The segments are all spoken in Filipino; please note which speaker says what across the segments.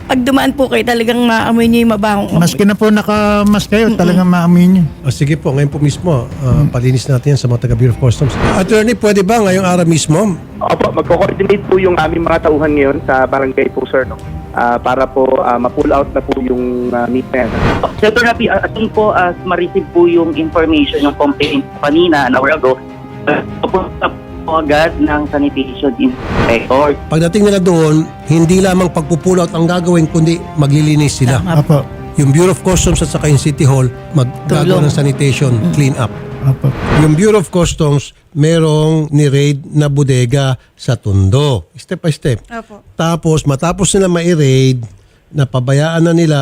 Speaker 1: Pag dumaan po kayo, talagang maamoy niyo yung mabahong amoy.
Speaker 2: Maski na po nakamask kayo, talagang maamoy nyo.
Speaker 3: Sige po, ngayon po mismo, palinis natin yan sa mga taga Bureau of Customs. Attorney, pwede ba ngayong araw mismo?
Speaker 4: Opo, magko-coordinate po yung aming mga tauhan ngayon sa barangay po, sir, no? Para po ma-pull out na po yung meat na yan.
Speaker 5: Sir Rafi, as soon po as ma-receive po yung information, yung complaint kanina, an hour ago, pupunta po agad ng sanitation inspector.
Speaker 3: Pagdating nila doon, hindi lamang pagpupull out ang gagawin, kundi maglilinis sila.
Speaker 2: Apo.
Speaker 3: Yung Bureau of Customs at saka yung City Hall, maggagawa ng sanitation, clean up.
Speaker 2: Apo.
Speaker 3: Yung Bureau of Customs, merong ni-raid na bodega sa Tondo. Step by step.
Speaker 1: Opo.
Speaker 3: Tapos, matapos nila ma-raid, napabayaan na nila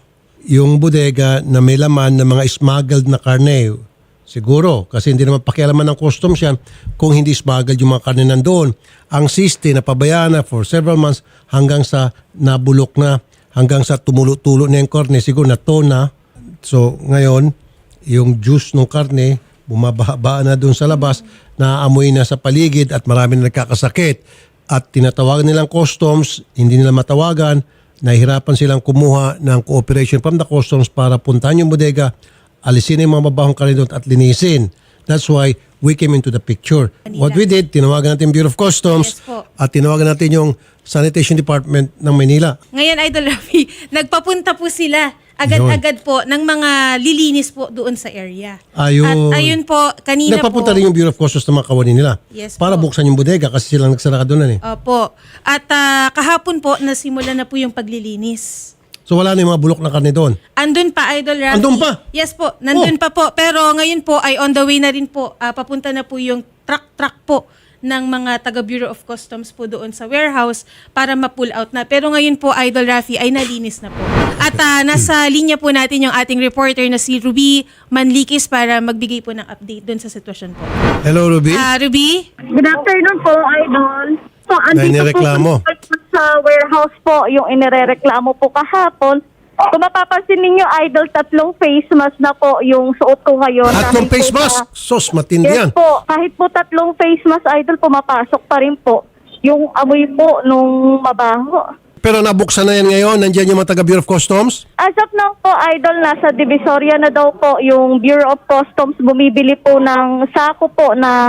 Speaker 3: yung bodega na may laman ng mga smuggled na karne. Siguro, kasi hindi naman pakialaman ng customs yan kung hindi smuggled yung mga karne nandoon. Ang siste, napabayaan na for several months hanggang sa nabulok na, hanggang sa tumulo-tulo na yung karne. Siguro na to na. So, ngayon, yung juice ng karne, bumababa na doon sa labas, naaamoy na sa paligid at marami na nagkakasakit. At tinatawagan nilang customs, hindi nila matawagan, nahihirapan silang kumuha ng cooperation from the customs para puntahan yung bodega, alisin yung mga mabahong karne doon at linisin. That's why we came into the picture. What we did, tinawagan natin Bureau of Customs
Speaker 1: Yes po.
Speaker 3: at tinawagan natin yung Sanitation Department ng Manila.
Speaker 6: Ngayon, Idol Rafi, nagpapunta po sila agad-agad po ng mga lilinis po doon sa area.
Speaker 3: Ayun.
Speaker 6: At ayun po, kanina
Speaker 3: Nagpapunta
Speaker 6: po.
Speaker 3: rin yung Bureau of Customs na mga kawani nila.
Speaker 6: Yes
Speaker 3: para
Speaker 6: po.
Speaker 3: buksan yung bodega kasi silang nagsara doon eh.
Speaker 6: Opo. At kahapon po, nasimula na po yung paglilinis.
Speaker 3: So wala na yung mga bulok na karne doon.
Speaker 6: Andun pa, Idol Rafi.
Speaker 3: Andun pa?
Speaker 6: Yes po, nandun pa po. Pero ngayon po ay on the way na rin po. Papunta na po yung truck po ng mga taga Bureau of Customs po doon sa warehouse para ma-pull out na. Pero ngayon po, Idol Rafi, ay nalinis na po. At nasa linya po natin yung ating reporter na si Ruby Manlikis para magbigay po ng update doon sa sitwasyon po.
Speaker 3: Hello, Ruby.
Speaker 6: Ruby?
Speaker 7: Good afternoon po, Idol. So,
Speaker 3: May
Speaker 7: andito
Speaker 3: nireklamo.
Speaker 7: po sa warehouse po yung inirereklamo po kahapon. Kung mapapansin ninyo, Idol, 3 face mask na po yung suot ko ngayon.
Speaker 3: Tatlong
Speaker 7: Kahit
Speaker 3: face
Speaker 7: po
Speaker 3: mask. Sos, matindi yan.
Speaker 7: Yes po. Kahit po 3 face mask, Idol, pumapasok pa rin po yung amoy po nung mabaho.
Speaker 3: Pero nabuksan na yan ngayon. Nandiyan yung mga taga Bureau of Customs.
Speaker 7: As of now po, Idol, nasa Divisoria na daw po yung Bureau of Customs bumibili po ng sako po na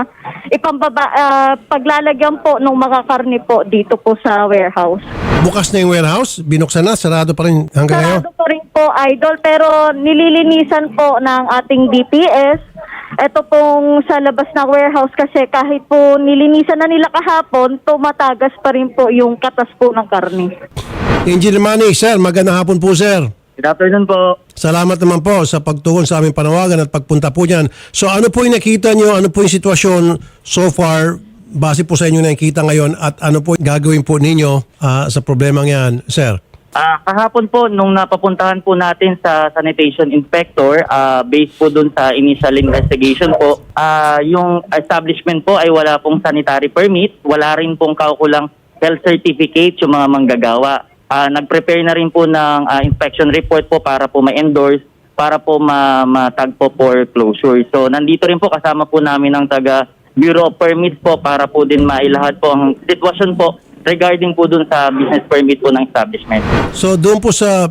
Speaker 7: paglalagyan po ng mga karne po dito po sa warehouse.
Speaker 3: Bukas na yung warehouse. Binuksan na. Sarado pa rin hanggang ngayon.
Speaker 7: Sarado po rin po, Idol, pero nililinisan po ng ating DPS. Ito pong sa labas ng warehouse kasi kahit po nilinisan na nila kahapon, tumatagas pa rin po yung katas po ng karne.
Speaker 3: Engineer Manny, sir. Magandang hapon po, sir.
Speaker 5: Good afternoon po.
Speaker 3: Salamat naman po sa pagtugon sa aming panawagan at pagpunta po dyan. So ano po yung nakita nyo? Ano po yung sitwasyon so far base po sa inyo nakikita ngayon at ano po gagawin po ninyo sa problemang yan, sir?
Speaker 5: Kahapon po, nung napapuntahan po natin sa sanitation inspector, based po dun sa initial investigation po, yung establishment po ay wala pong sanitary permit, wala rin pong kaukulang health certificate yung mga manggagawa. Nag-prepare na rin po ng inspection report po para po ma-endorse, para po matag po for closure. So nandito rin po kasama po namin ang taga Bureau of Permits po para po din mailahad po ang sitwasyon po regarding po dun sa business permit po ng establishment.
Speaker 3: So doon po sa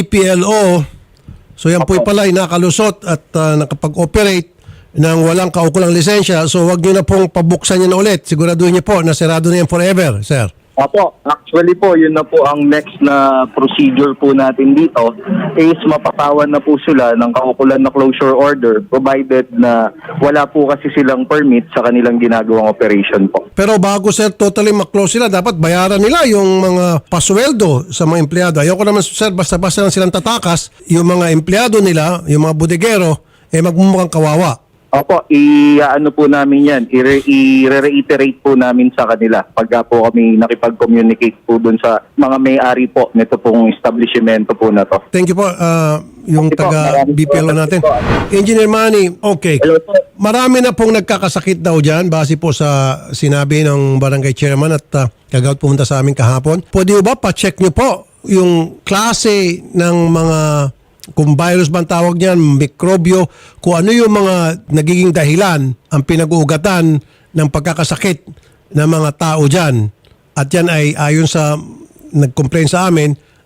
Speaker 3: BPLO, so yan po pala ay nakalusot at nakapag-operate ng walang kaukulang lisensya. So wag nyo na pong pabuksan yan ulit. Siguraduhin nyo po na sarado na yan forever, sir.
Speaker 4: Opo, actually po, yun na po ang next na procedure po natin dito is mapatawan na po sila ng kaukulan na closure order provided na wala po kasi silang permit sa kanilang ginagawang operation po.
Speaker 3: Pero bago sir totally maklose sila, dapat bayaran nila yung mga pasweldo sa mga empleyado. Ayoko naman sir, basta-basta lang silang tatakas, yung mga empleyado nila, yung mga bodegero, magmumukhang kawawa.
Speaker 4: Opo, i-ano po namin yan, i-reiterate po namin sa kanila pagka po kami nakipag-communicate po dun sa mga may-ari po nito pong establishmento po na to.
Speaker 3: Thank you po, yung
Speaker 4: Okay po,
Speaker 3: taga
Speaker 4: maraming
Speaker 3: BPLO
Speaker 4: salamat
Speaker 3: natin.
Speaker 4: po.
Speaker 3: Engineer Manny, okay.
Speaker 4: Hello po.
Speaker 3: Marami na pong nagkakasakit daw dyan base po sa sinabi ng barangay chairman at kagawad pumunta sa amin kahapon. Pwede ba pa-check nyo po yung klase ng mga, kung virus ba ang tawag niyan, mikrobyo, kung ano yung mga nagiging dahilan ang pinag-uugatan ng pagkakasakit ng mga tao dyan. At yan ay ayon sa nag-complain sa amin,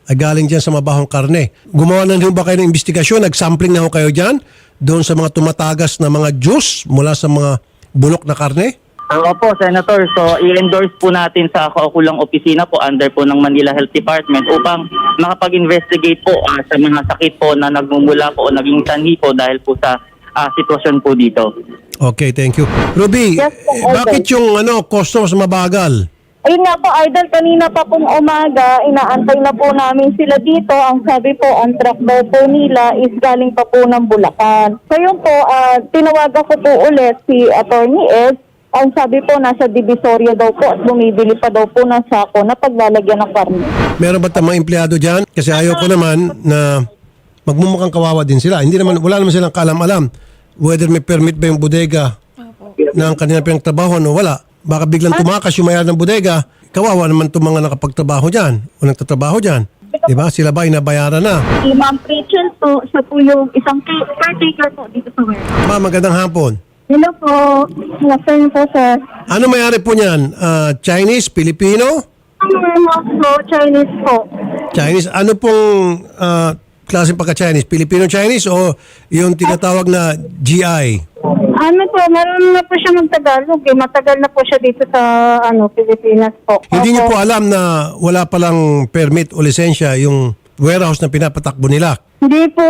Speaker 3: ay galing dyan sa mabahong karne. Gumawa na rin ba kayo ng investigasyon? Nag-sampling na ho kayo dyan doon sa mga tumatagas na mga juice mula sa mga bulok na karne?
Speaker 5: Opo, Senator. So, i-endorse po natin sa kaukulang opisina po under po ng Manila Health Department upang makapag-investigate po sa mga sakit po na nagmumula po o naging sanhi po dahil po sa sitwasyon po dito.
Speaker 3: Okay, thank you. Ruby,
Speaker 7: Yes, po, Idol.
Speaker 3: bakit yung customers mabagal?
Speaker 7: Ayun nga po, Idol, kanina pa pong umaga, inaantay na po namin sila dito. Ang sabi po, ang truck daw po nila is galing pa po ng Bulacan. Ngayon po, tinawagan ko po ulit si Attorney Ed. Ang sabi po, nasa Divisoria daw po at bumibili pa daw po ng sako na paglalagyan ng karne.
Speaker 3: Meron ba mga empleyado dyan? Kasi ayoko naman na magmumukhang kawawa din sila. Wala naman silang kaalam-alam whether may permit ba yung bodega ng kanilang pinagtrabaho o wala. Baka biglang tumakas yung mayari ng bodega, kawawa naman itong mga nakapagtrabaho dyan o nagtatrabaho dyan. Diba? Sila ba inabayaran na?
Speaker 7: Si Ma'am Rachel po, siya po yung isang caretaker po dito sa warehouse.
Speaker 3: Ma'am, magandang hapon.
Speaker 7: Hello po. Nasaan po, sir?
Speaker 3: Ano mayari po niyan? Chinese? Filipino?
Speaker 7: Ang warehouse po, Chinese po.
Speaker 3: Chinese? Ano pong klaseng pagka-Chinese? Filipino-Chinese o yung tinatawag na GI?
Speaker 7: Ano po, meron na po siya mag-Tagalog eh. Matagal na po siya dito sa Pilipinas po.
Speaker 3: Hindi niyo po alam na wala palang permit o lisensya yung warehouse na pinapatakbo nila?
Speaker 7: Hindi po.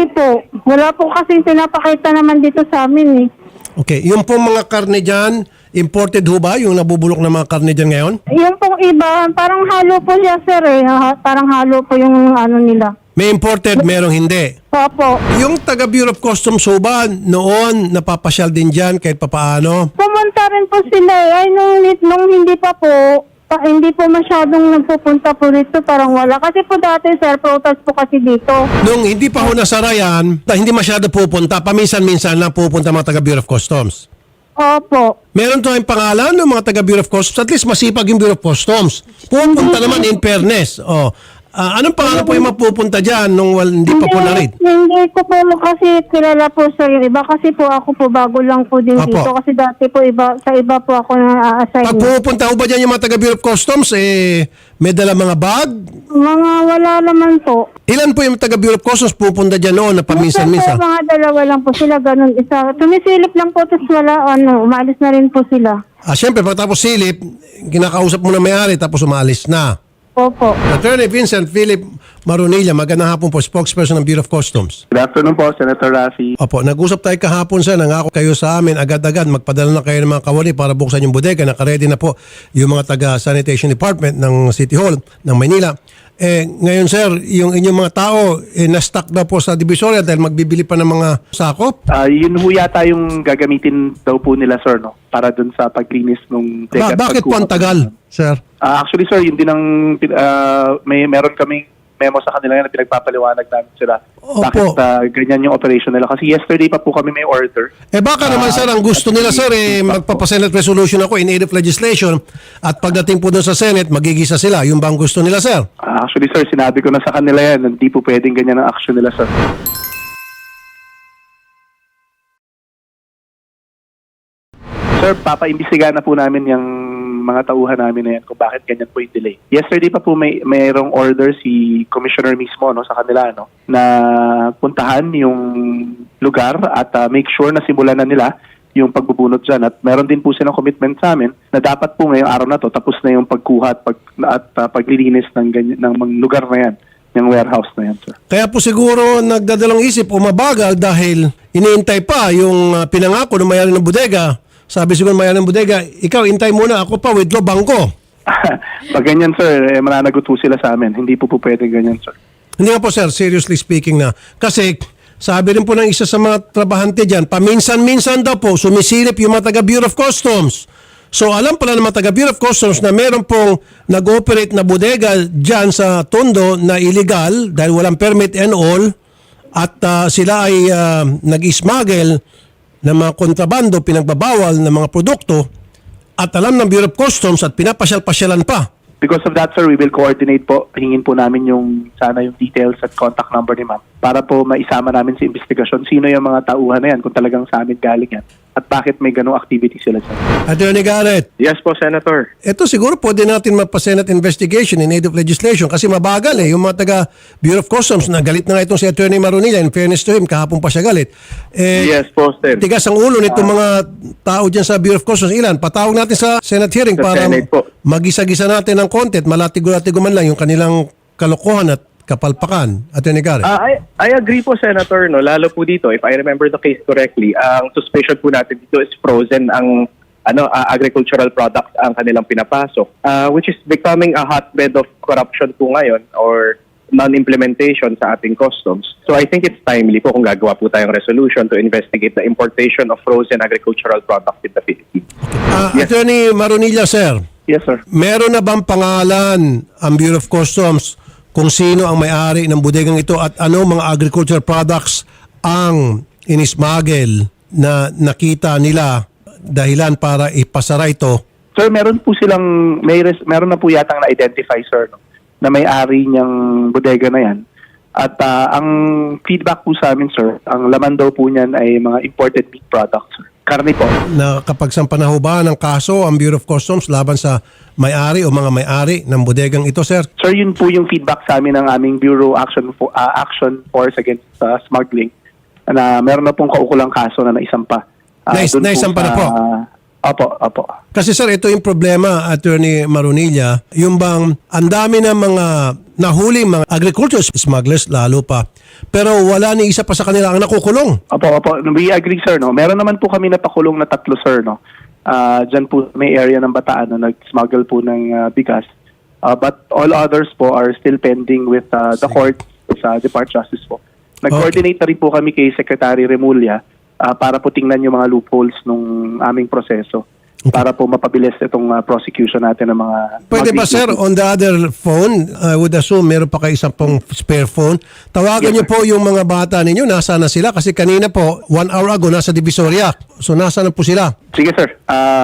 Speaker 7: Wala po kasi pinapakita naman dito sa amin eh.
Speaker 3: Okay, yung pong mga karne dyan, imported ho ba yung nabubulok na mga karne dyan ngayon?
Speaker 7: Yung pong iba, parang halo po siya, sir eh. Parang halo po yung nila.
Speaker 3: May imported, merong hindi.
Speaker 7: Opo.
Speaker 3: Yung taga Bureau of Customs ho ba noon napapasyal din dyan kahit papaano?
Speaker 7: Pumunta rin po sila eh. Ay, nung hindi pa po, hindi po masyadong nagpupunta po dito. Parang wala. Kasi po dati, sir, protest po kasi dito.
Speaker 3: Nung hindi pa ho nasara yan, hindi masyado pupunta, paminsan-minsan lang pupunta mga taga Bureau of Customs.
Speaker 7: Opo.
Speaker 3: Meron tayong pangalan ng mga taga Bureau of Customs, at least masipag yung Bureau of Customs. Pupunta naman in fairness. Anong pangalan po yung mapupunta dyan nung hindi pa po na-read?
Speaker 7: Hindi ko po kasi kilala po sa iba. Kasi po ako po bago lang po din
Speaker 3: Apo.
Speaker 7: dito. Kasi dati po sa iba po ako na-assign.
Speaker 3: Pag pupunta ho ba dyan yung mga taga Bureau of Customs, may dala mga bag?
Speaker 7: Mga wala naman po.
Speaker 3: Ilan po yung taga Bureau of Customs pupunta dyan noon na paminsan-minsan?
Speaker 7: Minsan po, mga dalawa lang po sila, ganun. Isa, tumisilip lang po, tapos wala, umalis na rin po sila.
Speaker 3: Siyempre, pagkatapos silip, kinakausap mo na may-ari, tapos umalis na.
Speaker 7: Opo.
Speaker 3: Attorney Vincent Philip Marunilla, magandang hapon po, spokesperson ng Bureau of Customs.
Speaker 8: Good afternoon po, Senator Rafi.
Speaker 3: Opo, nag-usap tayo kahapon sa nangako kayo sa amin agad-agad, magpadala na kayo ng mga kawali para buksan yung bodega. Nakaredy na po yung mga taga-sanitation department ng City Hall ng Maynila. Ngayon sir, yung inyong mga tao na-stuck na po sa Divisoria dahil magbibili pa ng mga sakop.
Speaker 8: Yun ho yata yung gagamitin daw po nila, sir, no? Para dun sa paglinis nung
Speaker 3: Bakit po ang tagal, sir?
Speaker 8: Actually, sir, yun din ang meron kaming memo sa kanila yan na pinagpapaliwanag namin sila.
Speaker 3: Opo.
Speaker 8: Bakit ganyan yung operation nila. Kasi yesterday pa po kami may order.
Speaker 3: Baka naman sir, ang gusto nila sir, magpapasenate resolution ako in aid of legislation at pagdating po doon sa Senate, magigisa sila. Yung bang gusto nila sir?
Speaker 8: Actually, sir, sinabi ko na sa kanila yan. Hindi po pwedeng ganyan ang action nila, sir. Sir, papaimbestigahan na po namin yung mga tauhan namin na yan kung bakit ganyan po yung delay. Yesterday pa po mayroong order si Commissioner mismo sa kanila na puntahan yung lugar at make sure na simulan na nila yung pagbubunot dyan. At meron din po silang commitment sa amin na dapat po ngayong araw na to tapos na yung pagkuha at paglilinis ng lugar na yan, yung warehouse na yan, sir.
Speaker 3: Kaya po siguro nagdadalawang isip o mabagal dahil iniintay pa yung pinangako ng mayari ng bodega. Sabi siguro mayari ng bodega, ikaw intay muna, ako pa withdraw bangko.
Speaker 8: Pag ganyan, sir, mananagot po sila sa amin. Hindi po pwede ganyan, sir.
Speaker 3: Hindi nga po sir, seriously speaking na. Kasi sabi rin po ng isa sa mga trabahante dyan, paminsan-minsan daw po sumisilip yung mga taga Bureau of Customs. So alam pala ng mga taga Bureau of Customs na meron pong nag-operate na bodega dyan sa Tondo na illegal dahil walang permit and all at sila ay nag-smuggle ng mga kontrabando, pinagbabawal ng mga produkto at alam ng Bureau of Customs at pinapasyal-pasyalan pa
Speaker 8: Because of that, sir, we will coordinate po. Hingin po namin yung details at contact number ni ma'am para po maisama namin sa investigasyon sino yung mga tauhan na yan kung talagang sa amin galing yan at bakit may ganong activity sila, sir.
Speaker 3: Attorney Garrett,
Speaker 4: Yes po, Senator.
Speaker 3: ito siguro pwede natin mapa-Senate investigation in aid of legislation kasi mabagal eh. Yung mga taga Bureau of Customs na galit na nga itong si Attorney Marunilla. In fairness to him, kahapon pa siya galit.
Speaker 4: Yes po, Sir.
Speaker 3: Tigas ang ulo nitong mga tao dyan sa Bureau of Customs. Ilan? Patawag natin sa Senate hearing
Speaker 4: Sa
Speaker 3: para
Speaker 4: Senate po.
Speaker 3: magisa-gisa natin ng content. Malatigo-latigo man lang yung kanilang kalokohan at kapalpakan. Attorney Garrett.
Speaker 4: I agree po, Senator. No? Lalo po dito, if I remember the case correctly, ang suspicion po natin dito is frozen ang agricultural products ang kanilang pinapasok, which is becoming a hotbed of corruption po ngayon or non-implementation sa ating customs. So I think it's timely po kung gagawa po tayong resolution to investigate the importation of frozen agricultural products in the Philippines.
Speaker 3: Attorney Marunilla, sir.
Speaker 8: Yes, sir.
Speaker 3: Meron na bang pangalan ang Bureau of Customs kung sino ang may-ari ng bodegang ito at ano mga agricultural products ang inismagel na nakita nila dahilan para ipasara ito?
Speaker 8: Sir, meron po silang, meron na po yatang na-identify, sir, no, na may-ari niyang bodega na yan. At ang feedback po sa amin, sir, ang laman daw po niyan ay mga imported meat products, sir. Karne po.
Speaker 3: Nakapagsampa na ho ba ng kaso ang Bureau of Customs laban sa may-ari o mga may-ari ng bodegang ito, sir?
Speaker 8: Sir, yun po yung feedback sa amin ng aming Bureau Action Force Against Smuggling na meron na pong kaukulang kaso na naisampa.
Speaker 3: Naisampa na po?
Speaker 8: Opo.
Speaker 3: Kasi sir, ito yung problema, Attorney Marunilla, yung bang ang dami ng mga nahuling mga agriculture smugglers lalo pa, pero wala ni isa pa sa kanila ang nakukulong.
Speaker 8: Opo. We agree, sir. No? Meron naman po kami napakulong na 3, sir. No? Diyan po may area ng Bataan na nag-smuggle po ng bigas. But all others po are still pending with the court sa Department of Justice po. Nag-coordinate na rin po kami kay Secretary Remulla para po tingnan yung mga loopholes nung aming proseso para po mapabilis itong prosecution natin ng mga...
Speaker 3: Pwede ba sir, on the other phone, I would assume meron pa kayo isang pong spare phone, tawagan niyo po yung mga bata ninyo, nasa na sila? Kasi kanina po, 1 hour ago, nasa Divisoria. So nasa na po sila?
Speaker 8: Sige, sir.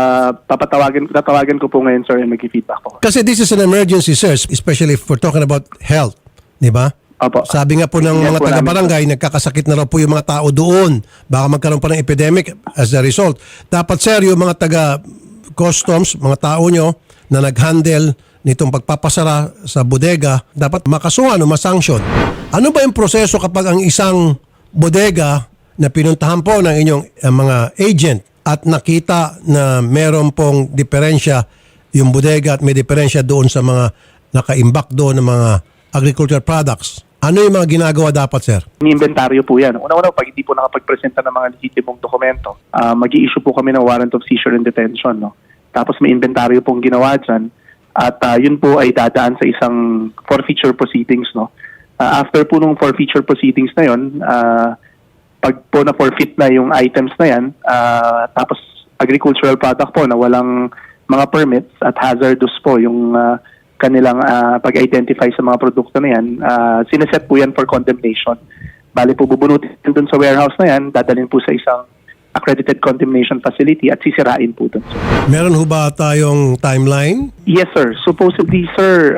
Speaker 8: Tatawagan ko po ngayon, sir, and mag-feedback po.
Speaker 3: Kasi this is an emergency, sir, especially if we're talking about health. Di ba?
Speaker 8: Opo.
Speaker 3: Sabi nga po ng
Speaker 8: Yes
Speaker 3: mga
Speaker 8: po
Speaker 3: taga-barangay, nagkakasakit na raw po yung mga tao doon. Baka magkaroon pa ng epidemic as a result. Dapat sir, yung mga taga-customs, mga tao nyo na nag-handle nitong pagpapasara sa bodega, dapat makasuhan o masanction. Ano ba yung proseso kapag ang isang bodega na pinuntahan po ng inyong mga agent at nakita na meron pong diferensya yung bodega at may diferensya doon sa mga nakaimbak doon ng mga agricultural products? Ano yung mga ginagawa dapat, sir?
Speaker 8: Inventaryo po yan. Una-una, pag hindi po nakapag-presenta ng mga legitimong dokumento, mag-i-issue po kami ng warrant of seizure and detention. No? Tapos may inventaryo pong ginawa dyan. At yun po ay dadaan sa isang forfeiture proceedings. No? After po nung forfeiture proceedings na yun, pag po na-forfeit na yung items na yan, tapos agricultural product po na walang mga permits at hazardous po yung kanilang pag-identify sa mga produkto na yan, sineset po yan for condemnation. Bali po bubunutin dun sa warehouse na yan, dadalhin po sa isang accredited condemnation facility at sisirain po dun.
Speaker 3: Meron ho ba tayong timeline?
Speaker 8: Yes, sir. Supposedly, sir,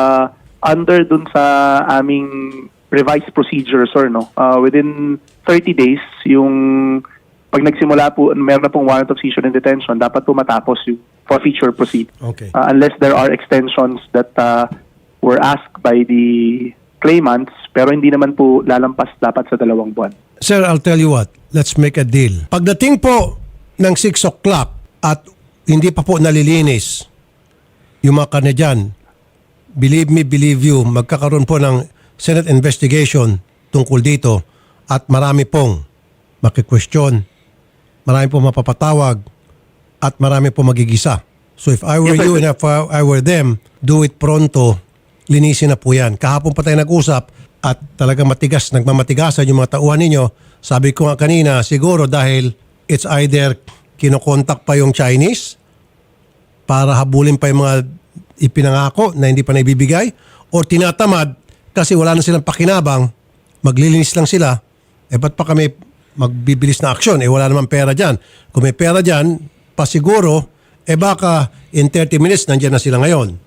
Speaker 8: under dun sa aming revised procedure, sir, no? Within 30 days, yung pag nagsimula po, meron na pong warrant of seizure and detention, dapat po matapos yung forfeiture proceed.
Speaker 3: Okay.
Speaker 8: Unless there are extensions that were asked by the claimants, pero hindi naman po lalampas dapat sa 2 buwan.
Speaker 3: Sir, I'll tell you what. Let's make a deal. Pagdating po ng 6 o'clock at hindi pa po nalilinis yung mga karne dyan, believe me, believe you, magkakaroon po ng Senate investigation tungkol dito at marami pong makikwestiyon, marami pong mapapatawag, at marami po magigisa. So if I were you and if I were them, do it pronto, linisin na po yan. Kahapon pa tayo nag-usap at talagang nagmamatigasan yung mga tauhan ninyo. Sabi ko nga kanina, siguro dahil it's either kinokontak pa yung Chinese para habulin pa yung mga ipinangako na hindi pa naibibigay or tinatamad kasi wala na silang pakinabang, maglilinis lang sila, ba't pa kami magbibilis na aksyon? Wala naman pera dyan. Kung may pera dyan, pasiguro, baka in 30 minutes nandiyan na sila ngayon.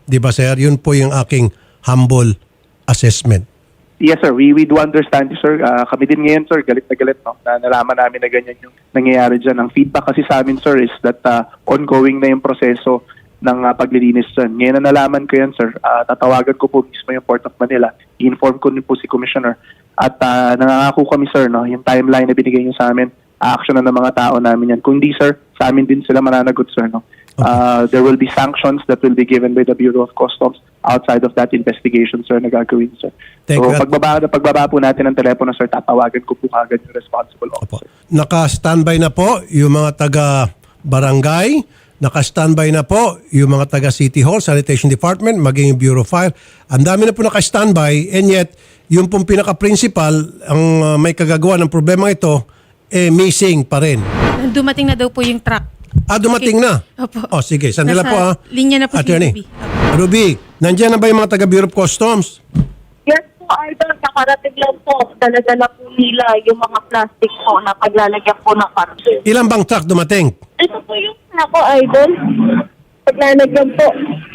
Speaker 3: Di ba, sir? Yun po yung aking humble assessment.
Speaker 8: Yes, sir. We do understand you, sir. Kami din ngayon, sir, galit na galit, no? Na nalaman namin na ganyan yung nangyayari dyan. Ang feedback kasi sa amin, sir, is that ongoing na yung proseso ng paglilinis dyan. Ngayon na nalaman ko yan, sir. Tatawagan ko po mismo yung Port of Manila. I-inform ko din po si Commissioner. At nangangako kami, sir, no? Yung timeline na binigay niyo sa amin, action na ng mga tao namin yan. Kung di, sir, sa amin din sila mananagot, sir, no? There will be sanctions that will be given by the Bureau of Customs outside of that investigation, sir, na gagawin, sir.
Speaker 3: Thank
Speaker 8: So,
Speaker 3: you.
Speaker 8: pagbaba po natin ng telepono, sir, tatawagan ko po agad yung responsible
Speaker 3: Opo.
Speaker 8: officer.
Speaker 3: Naka-standby na po yung mga taga-barangay, naka-standby na po yung mga taga-City Hall, Sanitation Department, maging yung Bureau of Fire. Ang dami na po naka-standby, and yet, yung pong pinaka-principal, ang may kagagawa ng problema ito, missing pa rin.
Speaker 6: Dumating na daw po yung truck.
Speaker 3: Dumating na?
Speaker 6: Opo.
Speaker 3: Oh, sige. Sandila
Speaker 6: Nasa
Speaker 3: po
Speaker 6: linya na po si
Speaker 3: Attorney.
Speaker 6: Ruby.
Speaker 3: Ruby, nandiyan na ba yung mga taga-Bureau of Customs?
Speaker 7: Yes po, Idol. Nakarating lang po. Daladala po nila yung mga plastic po na paglalagyan po ng parcel.
Speaker 3: Ilan bang truck dumating?
Speaker 7: Ito po yung ako, Idol. Paglalagyan po.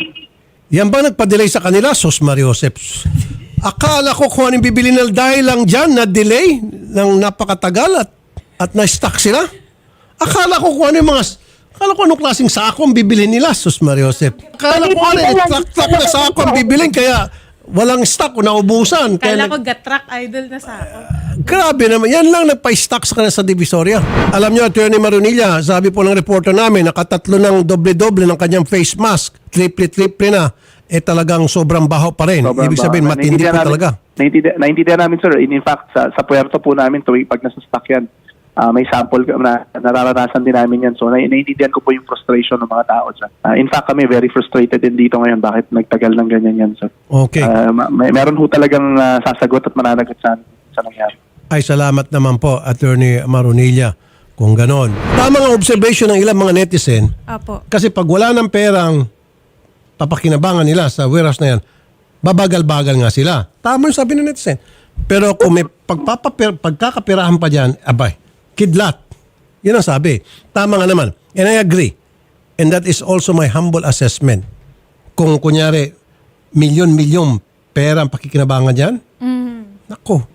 Speaker 3: Yan ba nagpa-delay sa kanila? Sos Mariosep. Akala ko kung anong bibili nila dahil lang dyan na delay ng napakatagal at na-stuck sila. Akala ko kung ano yung akala ko anong klaseng sako ang bibilhin nila, Sus Mariosep. Akala ko ano, truck na sako ang bibilhin kaya walang stock o naubusan.
Speaker 6: Kala
Speaker 3: Kaya
Speaker 6: ko truck idol na sa ako.
Speaker 3: grabe naman. Yan lang nagpa-stock sa kanila sa Divisoria. Alam nyo, Attorney Marunilla, sabi po ng reporter namin, nakatatlo ng doble-doble ng kanyang face mask. Triple na. Talagang sobrang baho pa rin.
Speaker 8: Sobrang
Speaker 3: Ibig sabihin,
Speaker 8: baho.
Speaker 3: matindi po talaga.
Speaker 8: Naintindihan namin, sir. In fact, sa puerto po namin, tuwing pag nasa stock yan, may sample na nararanasan din namin yan. So, naiintindihan ko po yung frustration ng mga tao dyan. In fact, kami very frustrated din dito ngayon. Bakit nagtagal ng ganyan yan, sir?
Speaker 3: Okay.
Speaker 8: Meron ho talagang sasagot at mananagot sa nangyari.
Speaker 3: Ay, salamat naman po, Attorney Marunilla, kung ganon. Tama nga observation ng ilang mga netizen,
Speaker 6: Apo.
Speaker 3: kasi pag wala ng perang papakinabangan nila sa warehouse na yan, babagal-bagal nga sila. Tama yung sabi ng netizen. Pero kung may pagkakapirahan pa dyan, abay, kidlat. Yun ang sabi. Tama nga naman. And I agree. And that is also my humble assessment. Kung kunyari, milyon-milyon pera ang pakikinabangan dyan, nako,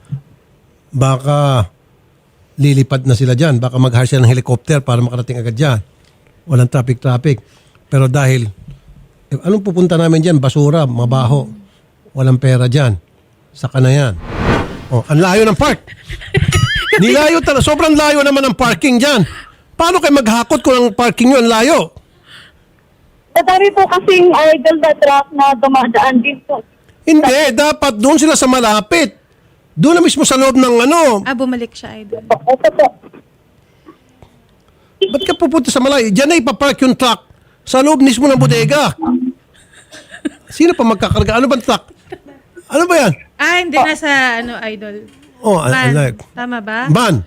Speaker 3: baka lilipad na sila dyan. Baka mag-hire sila ng helicopter para makarating agad dyan. Walang traffic. Pero dahil, anong pupunta namin dyan? Basura, mabaho. Walang pera dyan. Saka na yan. Oh, ang layo ng park. Nilayo talaga. Sobrang layo naman ng parking dyan. Paano kayo maghakot kung ang parking nyo ang layo?
Speaker 7: Madami po kasing idol na truck na dumadaan din po.
Speaker 3: Hindi. Dapat doon sila sa malapit. Doon na mismo sa loob ng
Speaker 6: Bumalik siya idol.
Speaker 7: Ito po.
Speaker 3: Ba't ka pupunta sa malayo? Diyan na ipapark yung truck sa loob mismo ng bodega. Sino pa magkakarga? Ano bang truck? Ano ba yan?
Speaker 6: Hindi na sa idol.
Speaker 3: Oh,
Speaker 6: Van.
Speaker 3: like,
Speaker 6: Tama ba?
Speaker 3: van.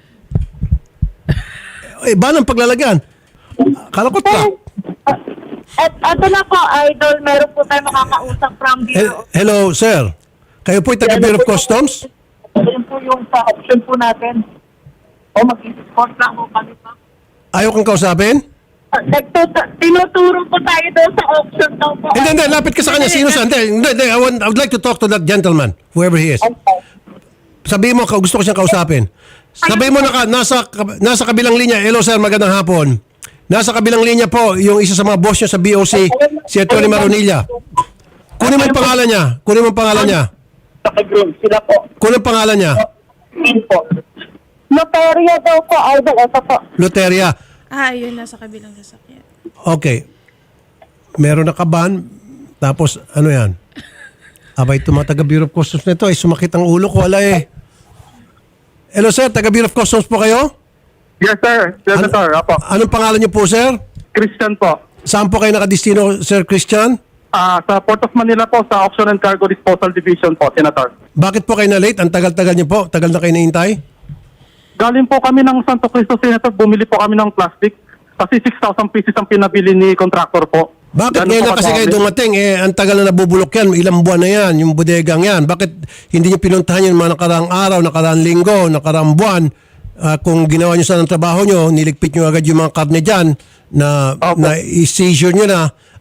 Speaker 3: Van ang paglalagyan. Kala ko truck.
Speaker 7: At ito na po, idol, meron po tayo makakausap from Bureau.
Speaker 3: Hello, sir. Kayo po taga Bureau of Customs?
Speaker 7: Yun po yung sa option po natin. O mag-support lang po kami pa.
Speaker 3: Ayaw kang kausapin?
Speaker 7: Tinuturo po tayo doon sa option daw po.
Speaker 3: Hindi. Lapit ka sa kanya. Sino sa? Hindi. I would like to talk to that gentleman, whoever he is. Sabihin mo, gusto ko siyang kausapin. Sabihin mo, nasa kabilang linya. Hello, sir. Magandang hapon. Nasa kabilang linya po, yung isa sa mga boss niya sa BOC, si Atty. Marunilla. Kunin mo yung pangalan niya.
Speaker 7: Sa group, sila po.
Speaker 3: Kunin yung pangalan niya.
Speaker 7: Yun po. Loteria daw po, idol. Ito po.
Speaker 3: Luteria.
Speaker 6: Yun nasa kabilang sasakyan.
Speaker 3: Okay. Meron na kaban. Tapos, ano yan? Abay, itong mga taga-Bureau of Customs na ito, sumakit ang ulo ko. Wala eh. Hello, sir. Taga-Bureau of Customs po kayo?
Speaker 9: Yes, sir. Senator, apo.
Speaker 3: Anong pangalan niyo po, sir?
Speaker 9: Christian po.
Speaker 3: Saan po kayo nakadistino, Sir Christian?
Speaker 9: Sa Port of Manila po, sa Auction and Cargo Disposal Division po, Senator.
Speaker 3: Bakit po kayo na-late? Ang tagal-tagal niyo po. Tagal na kayo naintay?
Speaker 9: Galing po kami ng Santo Cristo, Senator. Bumili po kami ng plastic. Kasi 6,000 pieces ang pinabili ni contractor po.
Speaker 3: Bakit
Speaker 9: Ganun
Speaker 3: ngayon
Speaker 9: po
Speaker 3: na kasi kayo
Speaker 9: kadami.
Speaker 3: dumating? Ang tagal na nabubulok yan. Ilang buwan na yan. Yung bodegang yan. Bakit hindi niyo pinuntahan yung mga nakaraang araw, nakaraang linggo, nakaraang buwan? Kung ginawa niyo sana ng trabaho niyo, niligpit niyo agad yung mga karne dyan na i-seizure niyo na at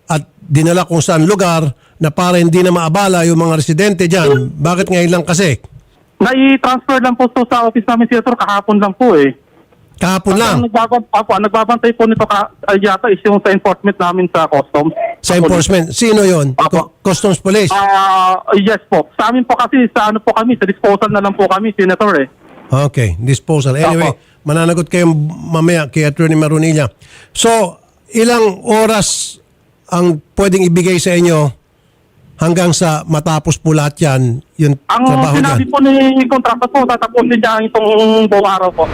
Speaker 3: dinala kung saan lugar na para hindi na maabala yung mga residente dyan. Bakit ngayon lang kasi?
Speaker 9: Nai-transfer lang po to sa office namin, Senator, kahapon lang po eh.
Speaker 3: Kahapon lang.
Speaker 9: Ang nagbabantay po nito yata is yung sa enforcement namin sa customs.
Speaker 3: Sa enforcement. Sino yon? Customs Police.
Speaker 9: Yes po. Sa amin po kasi, sa ano po kami, sa disposal na lang po kami, Senator eh.
Speaker 3: Okay, disposal. Anyway, mananagot kayo mamaya kay Attorney Marunilla. So, ilang oras ang pwedeng ibigay sa inyo hanggang sa matapos po lahat yan, yung
Speaker 9: Ang
Speaker 3: trabaho
Speaker 9: sinabi
Speaker 3: niyan?
Speaker 9: po ni kontrata po, tatapusin niya itong buong araw po.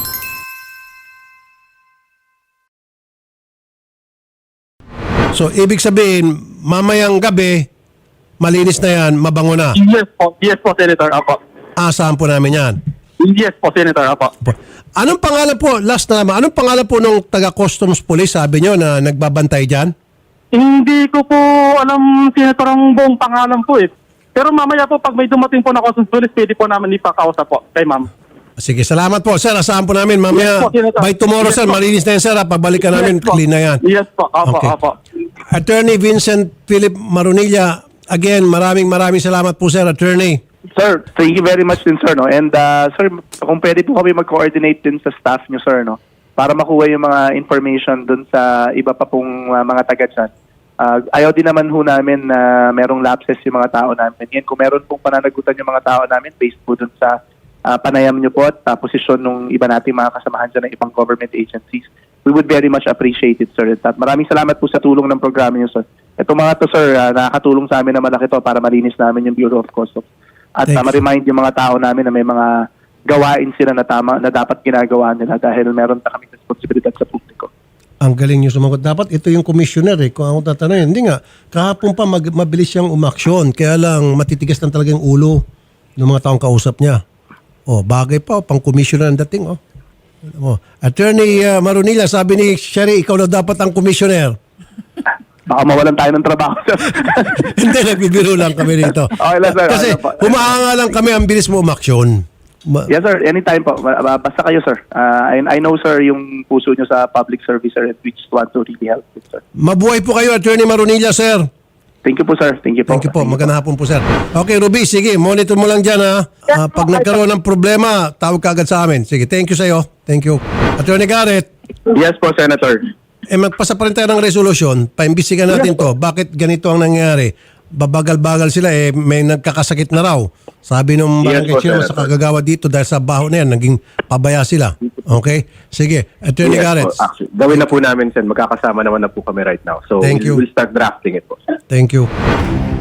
Speaker 3: So, ibig sabihin, mamayang gabi, malinis na yan, mabango na.
Speaker 9: Yes po, Senator. Apo.
Speaker 3: Asahan po namin yan.
Speaker 9: Yes po, Senator. Apo.
Speaker 3: Anong pangalan po, last na naman, anong pangalan po nung taga-customs police, sabi nyo, na nagbabantay dyan?
Speaker 9: Hindi ko po alam, Senator, ang buong pangalan po eh. Pero mamaya po, pag may dumating po na customs police, pwede po namin ipakausap po kay ma'am.
Speaker 3: Sige, salamat po. Sir, asahan po namin. Mamaya,
Speaker 9: Yes po, Senator.
Speaker 3: by tomorrow,
Speaker 9: Yes
Speaker 3: sir,
Speaker 9: po.
Speaker 3: malinis na yan, sir. Pagbalikan namin,
Speaker 9: Yes po.
Speaker 3: clean na yan.
Speaker 9: Yes po. Apo,
Speaker 3: Okay.
Speaker 9: apo.
Speaker 3: Attorney Vincent Philip Marunilla, again, maraming salamat po, sir, Attorney.
Speaker 8: Sir, thank you very much din, sir, no? And sir, kung pwede po kami mag-coordinate din sa staff nyo, sir, no? Para makuha yung mga information dun sa iba pa pong mga taga dyan. Ayaw din naman ho namin na merong lapses yung mga tao namin. Yan, kung meron pong pananagutan yung mga tao namin based po dun sa panayam nyo po at posisyon ng iba nating mga kasamahan dyan ng ibang government agencies, we would very much appreciate it, sir. At maraming salamat po sa tulong ng programa nyo, sir. Itong mga to, sir, nakakatulong sa amin na malaki to para malinis namin yung Bureau of Customs. At
Speaker 3: Thanks.
Speaker 8: ma-remind yung mga tao namin na may mga gawain sila na tama na dapat ginagawa nila dahil meron na kami responsibilidad sa publiko.
Speaker 3: Ang galing nyo sumagot. Dapat ito yung commissioner eh. Kung ako tatanungin, hindi nga. Kahapon pa mabilis siyang umaksyon. Kaya lang matitigas lang talaga yung ulo ng mga taong kausap niya. Oh, bagay pa. Pang commissioner ang dating. Oh. Attorney Marunilla, sabi ni Sherry, ikaw na dapat ang commissioner.
Speaker 8: Baka mawalan tayo ng trabaho, sir.
Speaker 3: Hindi, nagbibiro lang kami rito.
Speaker 8: Okay lang, sir.
Speaker 3: Kasi
Speaker 8: Okay lang po.
Speaker 3: humahanga lang kami, ang bilis mo umaksyon.
Speaker 8: Yes, sir. Anytime po. Basta kayo, sir. I know, sir, yung puso nyo sa public service, sir, and we just want to really help it, sir.
Speaker 3: Mabuhay po kayo, Attorney Marunilla, sir.
Speaker 8: Thank you po, sir. Thank you po.
Speaker 3: Thank you po. Magandang hapon po, sir. Okay, Ruby, sige. Monitor mo lang dyan, ha. Pag nagkaroon ng problema, tawag ka agad sa amin. Sige, thank you sa'yo. Thank you. Attorney Garrett,
Speaker 4: Yes po, Senator.
Speaker 3: magpasa pa rin tayo ng resolusyon. Paimbisigan natin to. Bakit ganito ang nangyari? Babagal-bagal sila, may nagkakasakit na raw. Sabi nung
Speaker 4: Yes
Speaker 3: barangay
Speaker 4: po,
Speaker 3: chairman sa
Speaker 4: Senator.
Speaker 3: kagagawa dito dahil sa baho na yan, naging pabaya sila. Okay? Sige, Attorney Garrett.
Speaker 4: Actually, gawin na po namin, Sen. Magkakasama naman na po kami right now. So,
Speaker 3: Thank you.
Speaker 4: we'll start drafting it po.
Speaker 3: Thank you.